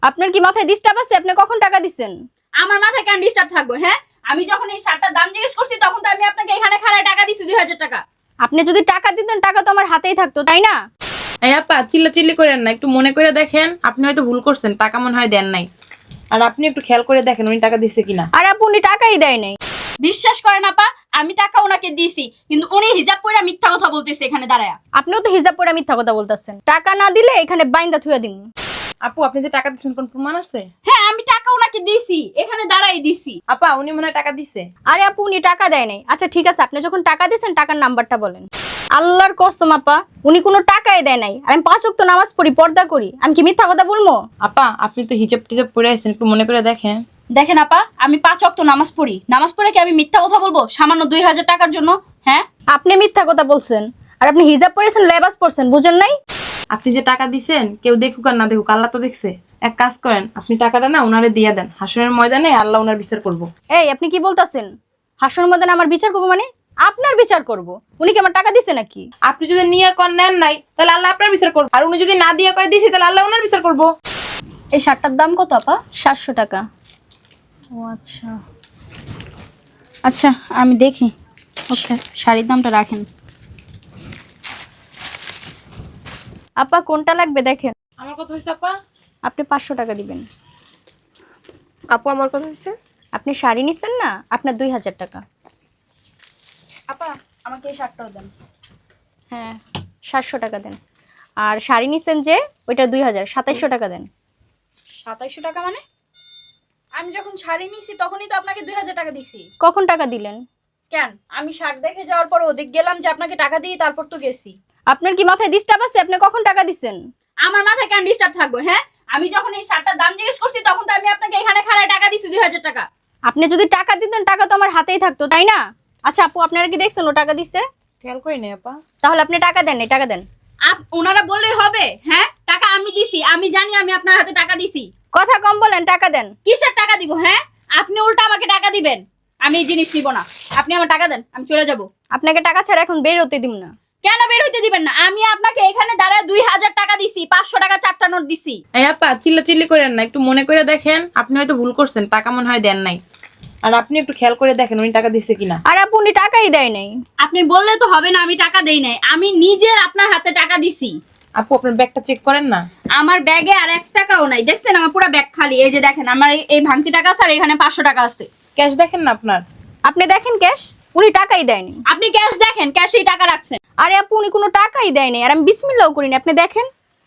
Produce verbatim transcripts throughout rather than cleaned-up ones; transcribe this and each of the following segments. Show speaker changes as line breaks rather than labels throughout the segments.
আপনার কি মাথায় ডিস্টার্ব আছে? আপনি কখন টাকা দিচ্ছেন?
আমার মাথায় কেন ডিস্টার্ব থাকবে? হ্যাঁ, আমি যখন এই শার্টটার দাম জিজ্ঞেস করছি তখন তো আমি আপনাকে এখানে খাড়ায় টাকা দিছি দুই হাজার টাকা।
আপনি যদি টাকা দিতেন টাকা তো আমার হাতেই থাকতো, তাই না?
এই আপা চিল্লাচিল্লি করেন না, একটু মনে করে দেখেন আপনি হয়তো ভুল করছেন, টাকা মনে হয় দেন নাই। আর আপনি একটু খেয়াল করে দেখেন উনি টাকা দিচ্ছে কিনা।
আর আপু উনি টাকাই দেয় নাই।
বিশ্বাস করেন আপা, আমি টাকা ওনাকে দিছি, কিন্তু উনি হিজাব পরে মিথ্যা কথা বলতেছে এখানে দাঁড়ায়া।
আপনিও তো হিজাব পরে মিথ্যা কথা বলতেছেন। টাকা না দিলে এখানে বাইন্দা থুয়া দিন।
আপু আপনি যে টাকা দিচ্ছেন কোন প্রমাণ আছে?
হ্যাঁ, আমি টাকা ওনাকে দিছি, এখানে দাঁড়াই দিছি।
আপা উনি মনে হয় টাকা দিছে।
আরে আপু উনি টাকা দেয় নাই। আচ্ছা ঠিক আছে, আপনি যখন টাকা দিয়েছেন টাকার নাম্বারটা বলেন। আল্লাহর কসম আপা, উনি কোনো টাকাই দেয় নাই। আর আমি পাঁচ ওয়াক্ত নামাজ পড়ি, পর্দা করি, আমি কি মিথ্যা কথা বলবো?
আপা আপনি তো হিজাব টিজাব পরে আছেন, একটু মনে করে দেখেন।
দেখেন আপা, আমি পাঁচ ওয়াক্ত নামাজ পড়ি, নামাজ পড়ে কি আমি মিথ্যা কথা বলবো সামান্য দুই হাজার টাকার জন্য? হ্যাঁ,
আপনি মিথ্যা কথা বলছেন। আর আপনি হিজাব পরেছেন, লেবাস পরছেন, বুঝেন নাই?
আপনি যে টাকা দিছেন কেউ দেখুক আর না দেখুক, আল্লাহ তো দেখছে। এক কাজ করেন, আপনি টাকাটা না ওনারে দিয়ে দেন, হাসরের ময়দানে আল্লাহ ওনার বিচার করবো।
এই আপনি কি বলতাছেন? হাসনের মধ্যে আমার বিচার করবো মানে? আপনার বিচার করব? উনি কি আমার টাকা দিছে নাকি?
আপনি যদি নিয়ে কর নেন নাই তাহলে আল্লাহ আপনার বিচার করবো, আর উনি যদি না দিয়ে কয় দিছি তাহলে আল্লাহ ওনার বিচার করবো।
এই শার্টটার দাম কত আপা?
সাতশো টাকা।
ও আচ্ছা আচ্ছা, আমি দেখি। ওকে, শাড়ির দামটা রাখেন।
আপা কোনটা লাগবে দেখেন।
আমার কথা হয়েছে আপা?
আপনি পাঁচশো টাকা দিবেন।
আপু আমার কথা হচ্ছে।
আপনি শাড়ি নিচ্ছেন না, আপনার দুই হাজার টাকা।
আপা আমাকে এই শার্টটাও দেন।
হ্যাঁ, সাতশো টাকা দেন। আর শাড়ি নিচ্ছেন যে ওইটা দুই হাজার, সাতাইশশো টাকা দেন।
সাতাইশশো টাকা মানে? আমি যখন শাড়ি নিছি তখনই তো আপনাকে দুই হাজার টাকা দিছি।
কখন টাকা দিলেন?
কেন, আমি শার্ট দেখে যাওয়ার পর ওদিক গেলাম যে আপনাকে টাকা দিয়ে তারপর তো গেছি।
আপনার কি মাথায় ডিস্টার্ব আছে? আপনি কখন টাকা দিচ্ছেন?
আমার মাথায় কেন ডিস্টার্ব থাকবে? হ্যাঁ, আমি যখন এই শার্টটার দাম জিজ্ঞেস করছি তখন তো আমি আপনাকে এখানে খাড়ায় টাকা দিছি দুই হাজার টাকা।
আপনি যদি টাকা দিতেন টাকা তো আমার হাতেই থাকতো, তাই না? আচ্ছা আপু আপনারা কি দেখছেন ও টাকা দিচ্ছে?
খেয়াল করি নাই আপা।
তাহলে আপনি টাকা দেন নাই, টাকা দেন।
আপ ওনারা বললেই হবে? হ্যাঁ, টাকা আমি দিছি, আমি জানি আমি আপনার হাতে টাকা দিছি।
কথা কম বলেন, টাকা দেন।
কিসের টাকা দিব? হ্যাঁ, আপনি উল্টা আমাকে টাকা দিবেন। আমি এই জিনিস নিব না, আপনি আমার টাকা দেন, আমি চলে যাব।
আপনাকে টাকা ছাড়া এখন বের হতে দিব না।
কেন বের হইতে দিবেন না? আমি আপনাকে এখানে দাঁড়ায় দুই হাজার টাকা দিছি, পাঁচশো টাকা চারটা নোট দিছি।
এই আপা চিল্লাচিল্লি করেন না, একটু মনে করে দেখেন আপনি হয়তো ভুল করছেন, টাকা মনে হয় দেন নাই। আর আপনি একটু খেয়াল করে দেখেন উনি টাকা দিচ্ছে কিনা।
আর আপু উনি টাকাই দেয় নাই।
আপনি বললে তো হবে না আমি টাকা দেই নাই, আমি নিজের আপনার হাতে টাকা দিছি।
আপু আপনার ব্যাগটা চেক করেন না।
আমার ব্যাগে আর এক টাকাও নাই, দেখছেন আমার পুরো ব্যাগ খালি। এই যে দেখেন আমার এই- এই ভাঙতি টাকা আছে আর এখানে পাঁচশো টাকা আছে।
ক্যাশ দেখেন না আপনার।
আপনি দেখেন ক্যাশ, উনি টাকাই দেয়নি।
আপনি ক্যাশ দেখেন, ক্যাশেই টাকা রাখছেন।
আরে আপু উনি কোনো টাকাই দেয়নি, আর আমি বিসমিল্লাহও করিনি, আপনি দেখেন।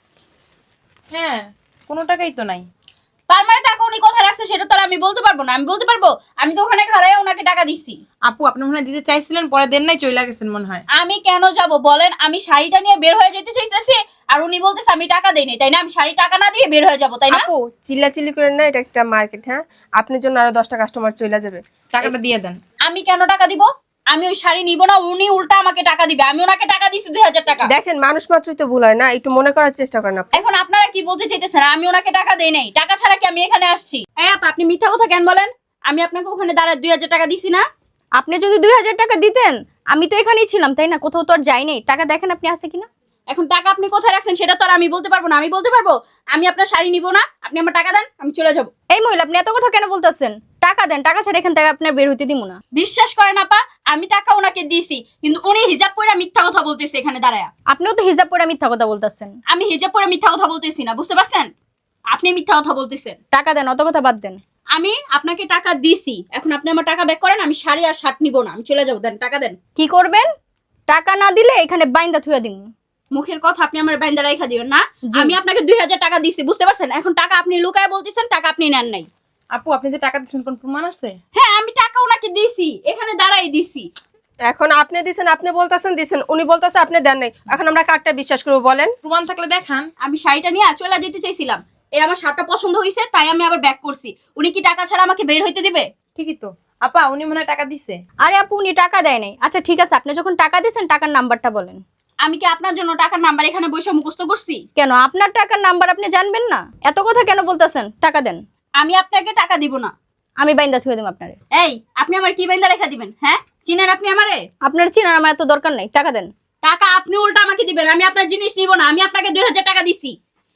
হ্যাঁ, কোনো টাকাই তো নাই।
তার মানে টাকা উনি কোথায় রাখছে সেটা তো আর আমি বলতে পারবো না। আমি বলতে পারবো আমি তো ওখানে খাড়ায় ওনাকে টাকা দিছি।
আপু আপনি মনে হয় দিতে চাইছিলেন, পরে দেন নাই, চলে গেছেন মনে হয়।
আমি কেন যাব বলেন? আমি শাড়িটা নিয়ে বের হয়ে যেতে চাইতেছি আর উনি বলতেছে আমি টাকা দেই নাই, তাই না? আমি শাড়ি টাকা না দিয়ে বের হয়ে যাব, তাই না?
আপু চিল্লাচিল্লি করেন না, এটা একটা মার্কেট। হ্যাঁ, আপনার জন্য আরো দশটা কাস্টমার চলে যাবে।
টাকাটা দিয়ে দেন।
আমি কেন টাকা দিব? আমি ওই শাড়ি নিব না, উনি উল্টা আমাকে টাকা দিবে। আমি ওনাকে টাকা দিছি দুই হাজার টাকা।
দেখেন মানুষ মাত্রই তো ভুল হয় না, একটু মনে করার চেষ্টা করেন আপু।
এখন আপনারা কি বলতে চাইতেছেন? আমি ওনাকে টাকা দেই নাই, টাকা ছাড়া কি আমি এখানে আসছি? এই আপা আপনি মিথ্যা কথা কেন বলেন? আমি আপনাকে ওখানে দাঁড়ায় দুই হাজার টাকা দিছি না?
আপনি যদি দুই হাজার টাকা দিতেন আমি তো এখানেই ছিলাম, তাই না? কোথাও তো আর যাই নাই। টাকা দেখেন আপনি আছে কিনা।
এখন টাকা আপনি কোথায় রাখছেন সেটা তো আর আমি বলতে পারবো না। আমি বলতে পারবো আমি আপনার শাড়ি নিব না, আপনি আমার টাকা দেন, আমি চলে যাব।
এই মহিলা আপনি এত কথা কেন বলতেছেন? টাকা দেন, টাকা ছাড়া এখান থেকে আপনার বের হইতে দিব না।
বিশ্বাস করেন আপা, আমি টাকা ওনাকে দিছি, কিন্তু উনি হিজাব পরে মিথ্যা কথা বলতেছে এখানে দাঁড়ায়।
আপনিও তো হিজাব পরে মিথ্যা কথা বলতেছেন।
আমি হিজাব পরে মিথ্যা কথা বলতেছি না, বুঝতে পারছেন? আপনি মিথ্যা কথা বলতেছেন।
টাকা দেন, অত কথা বাদ দেন।
আমি আপনাকে টাকা দিছি, এখন আপনি আমার টাকা ব্যাক করেন। আমি শাড়ি আর শার্ট নিব না, আমি চলে যাবো। দেন, টাকা দেন।
কি করবেন? টাকা না দিলে এখানে বাইন্দা থুয়া দিন।
মুখের কথা আপনি আমার বাইন্দা রাইখা দিবেন না।
জি।
আমি আপনাকে দুই হাজার টাকা দিছি, বুঝতে পারছেন? এখন টাকা আপনি লুকায় বলতেছেন, টাকা আপনি নেন নাই।
আপু আপনি যে টাকা দিচ্ছেন কোন প্রমাণ আছে?
হ্যাঁ, আমি টাকা ওনাকে দিছি, এখানে দাঁড়াই দিছি।
এখন আপনি দিছেন, আপনি বলতেছেন দিছেন, উনি বলতেছে আপনি দেন নাই। এখন আমরা কারটা বিশ্বাস করবো বলেন?
প্রমাণ থাকলে দেখান।
আমি শাড়িটা নিয়ে চলে যেতে চাইছিলাম, এই আমার শার্টটা পছন্দ হয়েছে তাই আমি আবার ব্যাক করছি। উনি কি টাকা ছাড়া আমাকে বের হইতে দিবে?
ঠিকই তো আপা, উনি মনে হয় টাকা দিছে।
আরে আপু উনি টাকা দেয় নাই। আচ্ছা ঠিক আছে, আপনি যখন টাকা দিয়েছেন টাকার নাম্বারটা বলেন।
আমি কি আপনার জন্য টাকার নাম্বার এখানে বসে মুখস্থ করছি?
কেন আপনার টাকার নাম্বার আপনি জানবেন না? এত কথা কেন বলতেছেন? টাকা দেন,
আমি আপনাকে টাকা দিব না।
আমি বাইন্দা থুয়ে দেব আপনারে।
এই আপনি আমার কি বাইন্দা রেখা দিবেন? হ্যাঁ, চিনেন আপনি আমারে?
আপনার চিনার আমার এত দরকার নাই, টাকা দেন।
টাকা আপনি উল্টা আমাকে দিবেন, আমি আপনার জিনিস নিব না। আমি আপনাকে দুই হাজার টাকা দিছি,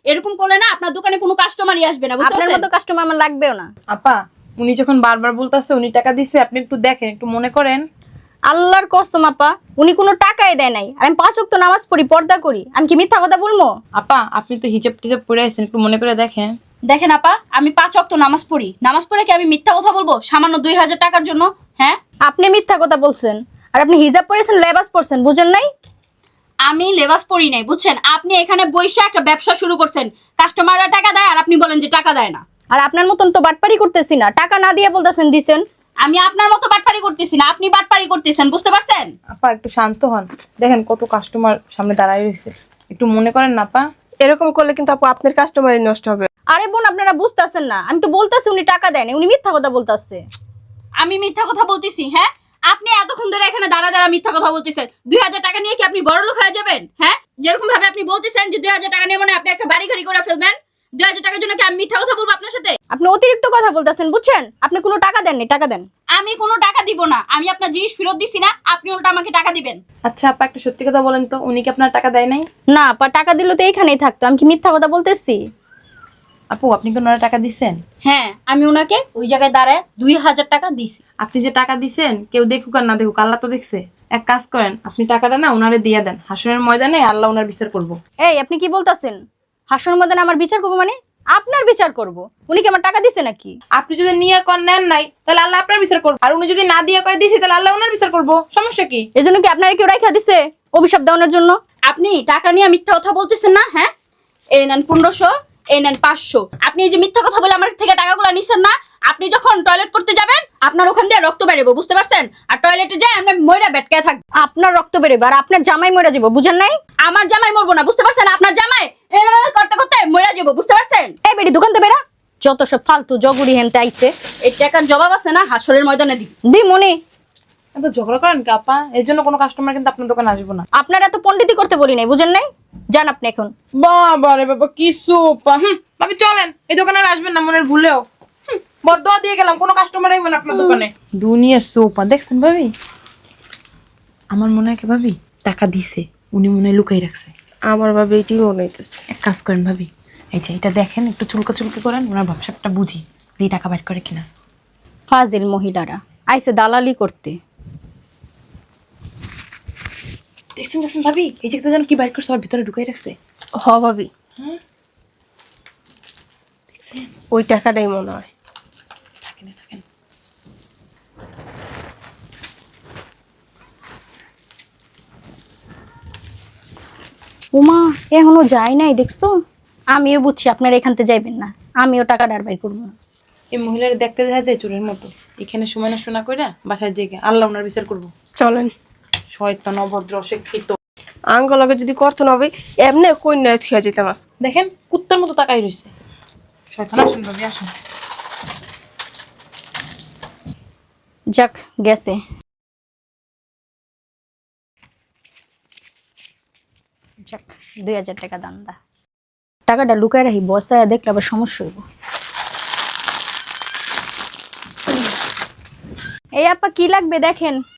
এরকম করলে না আপনার দোকানে কোনো কাস্টমারই আসবে না, বুঝতে
আপনার
পারছেন?
মতো কাস্টমার আমার লাগবেও না।
আপা উনি যখন বারবার বলতাছে উনি টাকা দিছে, আপনি একটু দেখেন, একটু মনে করেন।
আল্লাহর কসম আপা, উনি কোনো টাকাই দেয় নাই, আর আমি পাঁচ ওয়াক্ত নামাজ পড়ি, পর্দা করি, আমি কি মিথ্যা কথা বলবো?
আপা আপনি তো হিজাব টিজাব পরে আছেন, একটু মনে করে দেখেন।
দেখেন আপা, আমি পাঁচ ওয়াক্ত নামাজ পড়ি, নামাজ পড়ে কি আমি মিথ্যা কথা বলবো সামান্য দুই হাজার টাকার জন্য? হ্যাঁ,
আপনি মিথ্যা কথা বলছেন, আর আপনি হিজাব পরেছেন, লেবাস পরছেন, বুঝেন নাই?
আমি লেবাস পড়ি নাই, বুঝছেন? আপনি এখানে বইসা একটা ব্যবসা শুরু করছেন, কাস্টমাররা টাকা দেয় আর আপনি বলেন যে টাকা দেয় না।
আর আপনার মতন তো বাটপারি করতেছি না, টাকা না দিয়ে বলতেছেন দিছেন।
আমি আপনার মতো বাটপারি করতেছি না, আপনি বাটপারি করতেছেন, বুঝতে পারছেন?
আপা একটু শান্ত হন, দেখেন কত কাস্টমার সামনে দাঁড়ায় রয়েছে, একটু মনে করেন না আপা।
এরকম করলে কিন্তু আপু আপনার কাস্টমারই নষ্ট হবে।
আরে বোন, আপনারা বুঝতেছেন না, আমি তো বলতেছি উনি টাকা দেয়নি, উনি মিথ্যা কথা বলতেছে।
আমি মিথ্যা কথা বলতেছি? হ্যাঁ, আপনি এতক্ষণ ধরে এখানে দাঁড়া দাঁড়া মিথ্যা কথা বলতেছেন। দুই হাজার টাকা নিয়ে কি আপনি বড়লোক হয়ে যাবেন? হ্যাঁ, যেরকম ভাবে আপনি বলতেছেন যে দুই হাজার টাকা নিয়ে মানে আপনি একটা বাড়ি গাড়ি করে ফেলবেন, দুই হাজার টাকার জন্য কি আমি মিথ্যা কথা বলবো আপনার সাথে?
আপনি অতিরিক্ত কথা বলতেছেন, বুঝছেন? আপনি কোনো টাকা দেননি, টাকা দেন।
আমি কোনো টাকা দিব না, আমি আপনার জিনিস ফেরত দিছি না, আপনি উল্টা আমাকে টাকা দিবেন।
আচ্ছা আপা একটা সত্যি কথা বলেন তো, উনি কি আপনার টাকা দেয় নাই?
না আপা, টাকা দিলে তো এইখানেই থাকতো, আমি কি মিথ্যা কথা বলতেছি?
আপু আপনি কি ওনারা টাকা দিছেন?
হ্যাঁ, আমি ওনাকে ওই জায়গায় দাঁড়ায় দুই হাজার টাকা দিছি।
আপনি যে টাকা দিছেন কেউ দেখুক আর না দেখুক, আল্লাহ তো দেখছে। এক কাজ করেন, আপনি টাকাটা না ওনারে দিয়ে দেন, হাসনের ময়দানে আল্লাহ ওনার বিচার করবো।
এই আপনি কি বলতেছেন? হাসন মদন আমার বিচার করবো মানে? আপনার বিচার করব? উনি কি আমার টাকা দিছে নাকি?
আপনি যদি নিয়ে কর নেন নাই তাহলে আল্লাহ আপনার বিচার করবো, আর উনি যদি না দিয়ে কয় দিছি তাহলে আল্লাহ ওনার বিচার করবো। সমস্যা কি?
এজন্য কি আপনারা কেউ রাইখা দিছে অভিশাপ দেওয়ানোর জন্য?
আপনি টাকা নিয়ে মিথ্যা কথা বলতেছেন না? হ্যাঁ, এই নেন পনেরোশো, এই নেন পাঁচশো। আপনি এই যে মিথ্যা কথা বলে আমার থেকে টাকাগুলো নিছেন না, আপনি যখন টয়লেট করতে যাবেন আপনার ওখান দিয়ে রক্ত বেরোবো, বুঝতে পারছেন? আর টয়লেটে যায় আমরা ময়রা বেটকে থাকবো।
আপনার রক্ত বেরোবে আর আপনার জামাই মরে যাবো, বুঝেন নাই?
আমার জামাই মরবো না, বুঝতে পারছেন? আপনার জামাই এ করতে করতে মরে যাবো, বুঝতে পারছেন?
এই বেটি দোকান থেকে বেরা, যত সব ফালতু জগুড়ি হেনতে আইছে।
এই টাকার জবাব আছে না হাসরের ময়দানে দিই।
দি মনে,
এত ঝগড়া করেন কি আপা? এর জন্য কোনো কাস্টমার কিন্তু আপনার দোকানে আসবো না।
আপনারা তো পণ্ডিতি করতে বলি নাই, বুঝেন নাই? যান আপনি এখন।
বাবা রে বাবা কি সোপা! হুম ভাবি চলেন, এই দোকানে আর আসবেন না মনের ভুলেও। হুম, বদদোয়া দিয়ে গেলাম, কোনো কাস্টমার আইবে না আপনার দোকানে। দুনিয়ার সোপা দেখছেন ভাবি? আমার মনে হয় কি ভাবি টাকা দিছে, উনি মনে হয় লুকাই রাখছে।
আমার ভাবে এটাই মনে হইতেছে।
এক কাজ করেন ভাবি, এই যে এটা দেখেন, একটু চুলকা চুলকি করেন, ওনার ব্যবসাটা বুঝি দিয়ে টাকা বাইর করে কিনা।
ফাজিল মহিলারা আইছে দালালি করতে।
দেখছেন দেখছেন ভাবি, এই যে যেন কি বাইর করছে, ওর ভিতরে ঢুকাই রাখছে।
হ ভাবি,
হ্যাঁ দেখছেন?
ওই টাকাটাই মনে হয়।
থাকেন থাকেন।
ওমা, এখনো যায় নাই, দেখছো? আমিও বুঝছি আপনারা এখান থেকে যাইবেন না, আমিও টাকা ডার বাইর করবো না।
এই মহিলার দেখতে দেখা যায় চোরের মতো, এখানে সময় নষ্ট না করে বাসায় জেগে আল্লাহ ওনার বিচার করবো।
চলেন।
শয়তান অভদ্র অশিক্ষিত।
আঙ্গলকে যদি করতো না হবে এমনি কন্যা থিয়া যেতাম আজ।
দেখেন কুত্তার মতো তাকাই রয়েছে। শয়তান আসুন ভাবি আসুন।
যাক গেছে। যাক, দুই হাজার টাকা দান্দা। টাকাটা লুকায় রাখি, বসায় দেখলে আবার সমস্যা হইব। এই আপা কি লাগবে দেখেন।